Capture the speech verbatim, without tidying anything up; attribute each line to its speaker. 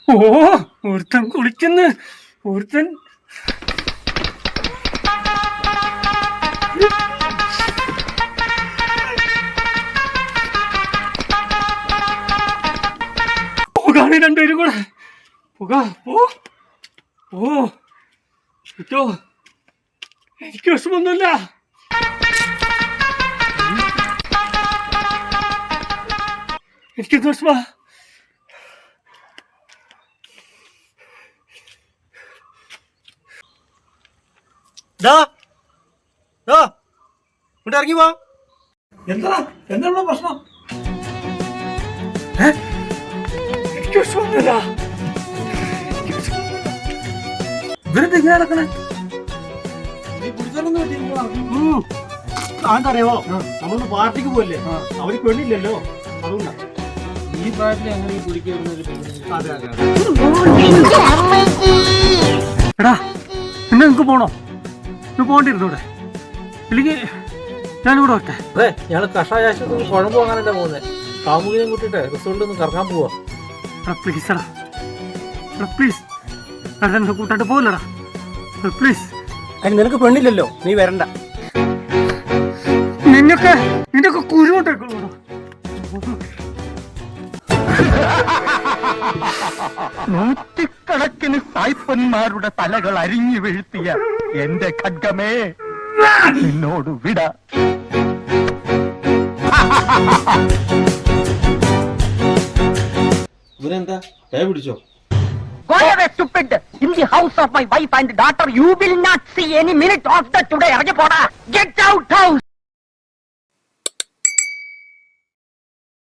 Speaker 1: ഓ ഒരുത്തൻ കുളിക്കുന്നു. ഒരുത്തൻ പോകാണ് രണ്ടുപേരും കൂടെ. പോകാ പോ ഓ കിട്ടോ. എനിക്ക് വിഷമൊന്നുമില്ല. എനിക്കെന്ത് വിഷമാ?
Speaker 2: ഇറങ്ങി പോ.
Speaker 1: എന്താ എന്താ പ്രശ്നം? എനിക്ക് വിഷമൊന്നുമില്ല. ഇവരെന്താ ഇങ്ങനെ നടക്കണേ?
Speaker 2: അതെന്തറിയാവോ, നമ്മളൊന്ന് പാർട്ടിക്ക് പോയല്ലേ, അവര് പെണ്ണില്ലല്ലോ, അതുകൊണ്ടാ.
Speaker 3: ഈ പ്രായത്തിൽ എങ്ങനെ ഈ കുടിക്കുന്നത്?
Speaker 2: അതെ അതെ
Speaker 1: എടാ പിന്നെ നിങ്ങക്ക് പോണോ? നിങ്ങൾ പോകണ്ടിരുന്നൂടെ? ഇല്ലെങ്കിൽ ഞാനിവിടെ വരട്ടെ.
Speaker 3: അതെ, ഞങ്ങള് കഷായ ആശുപത്രി കുഴമ്പ് വാങ്ങാനല്ലേ പോകുന്നത്. കാമുകിനെയും കൂട്ടിട്ട് റിസോർട്ടിൽ ഒന്ന് കറങ്ങാൻ പോവാ.
Speaker 1: എടാ പ്ലീസ് എടാ എടാ പ്ലീസ് എടാ എന്നെ കൂട്ടാണ്ട് പോകില്ലടാ പ്ലീസ്.
Speaker 2: അതിന് നിനക്ക് പെണ്ണില്ലല്ലോ, നീ വരണ്ട.
Speaker 1: നിന്നൊക്കെ നിന്നൊക്കെ കുരുവോട്ടേക്കുള്ളൂടാ.
Speaker 4: നൂറ്റിക്കണക്കിന് സായിപ്പന്മാരുടെ തലകൾ അരിഞ്ഞു വീഴ്ത്തിയ എന്റെ ഖഡ്ഗമേ, നിന്നോട് വിട.
Speaker 3: ഇവരെന്താ കൈ പിടിച്ചോ?
Speaker 5: Go away, stupid! In the house of my wife and daughter, you will not see any minute of the today. Get out house!